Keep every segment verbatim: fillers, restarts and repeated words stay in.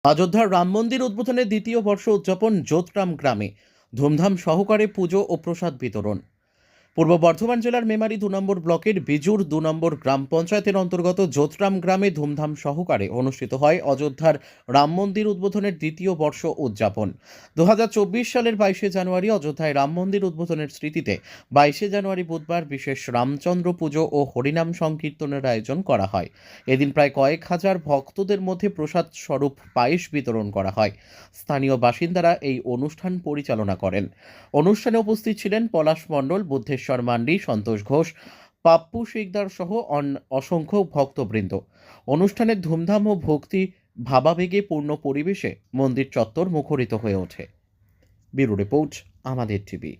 অযোধ্যার রাম মন্দির উদ্বোধনের দ্বিতীয় বর্ষ উদযাপন যোধরাম গ্রামে ধুমধাম সহকারে পুজো ও প্রসাদ বিতরণ। পূর্ব বর্ধমান জেলার মেমারি দু নম্বর ব্লকের বিজুর দু নম্বর গ্রাম পঞ্চায়েতের অন্তর্গত যোধরাম গ্রামে ধুমধাম সহকারে অনুষ্ঠিত হয় অযোধ্যার রাম মন্দির উদ্বোধনের দ্বিতীয় বর্ষ উদযাপন। দু হাজার চব্বিশ সালের বাইশে জানুয়ারি অযোধ্যায় রাম মন্দির উদ্বোধনের স্মৃতিতে বাইশে জানুয়ারি বুধবার বিশেষ রামচন্দ্র পুজো ও হরিনাম সংকীর্তনের আয়োজন করা হয়। এদিন প্রায় কয়েক হাজার ভক্তদের মধ্যে প্রসাদ স্বরূপ পায়েস বিতরণ করা হয়। স্থানীয় বাসিন্দারা এই অনুষ্ঠান পরিচালনা করেন। অনুষ্ঠানে উপস্থিত ছিলেন পলাশ মণ্ডল, বুদ্ধেশ্বর মান্ডি, সন্তোষ ঘোষ, পাপ্পু শিকদার সহ অসংখ্য ভক্তবৃন্দ। অনুষ্ঠানের ধুমধাম ও ভক্তি ভাবাবেগে পূর্ণ পরিবেশে মন্দির চত্বর মুখরিত হয়ে ওঠে। ব্যুরো রিপোর্ট, আমাদের টিভি।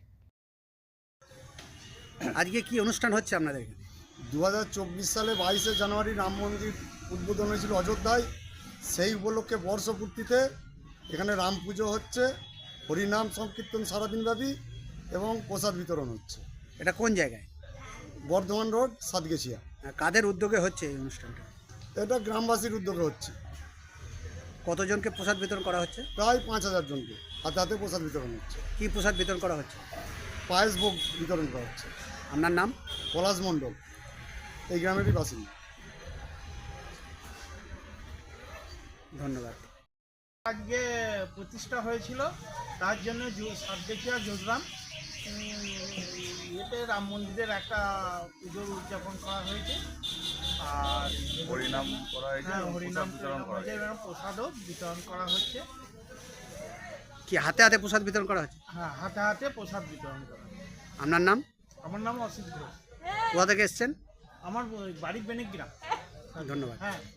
আজকে কি অনুষ্ঠান হচ্ছে আপনাদের এখানে? দু হাজার চব্বিশ সালে বাইশে জানুয়ারি রাম মন্দির উদ্বোধন হয়েছিল অযোধ্যায়। সেই উপলক্ষে বর্ষপূর্তিতে এখানে রাম পুজো হচ্ছে, হরিনাম সংকীর্তন সারাদিনব্যাপী এবং প্রসাদ বিতরণ হচ্ছে। এটা কোন জায়গায়? বর্ধমান রোড, সাতগেছিয়া। কাদের উদ্যোগে হচ্ছে এই অনুষ্ঠানটা? এটা গ্রামবাসীর উদ্যোগে হচ্ছে। কতজনকে প্রসাদ বিতরণ করা হচ্ছে? প্রায় পাঁচ হাজার জনকে হাতে হাতে প্রসাদ বিতরণ হচ্ছে। কি প্রসাদ বিতরণ করা হচ্ছে? পায়েস ভোগ বিতরণ করা হচ্ছে। আপনার নাম? পলাশ মণ্ডল, এই গ্রামেরই বাসিন্দা। ধন্যবাদ। আজকে প্রতিষ্ঠা হয়েছিল, তার জন্য সাতগেছিয়া যোধরাম ইয়েতে রাম মন্দিরের একটা পুজোর উদযাপন করা হয়েছে। আর হরিনাম করা হয়েছে, হ্যাঁ, হরিনাম বিতরণ করা হয়েছে। এবং প্রসাদও বিতরণ করা হচ্ছে। কি হাতে হাতে প্রসাদ বিতরণ করা হচ্ছে? হ্যাঁ, হাতে হাতে প্রসাদ বিতরণ করা হচ্ছে। আপনার নাম? আমার নাম অসিত ঘোষ। কোথা থেকে এসছেন? আমার বাড়ি বেনিগ্রাম। ধন্যবাদ। হ্যাঁ।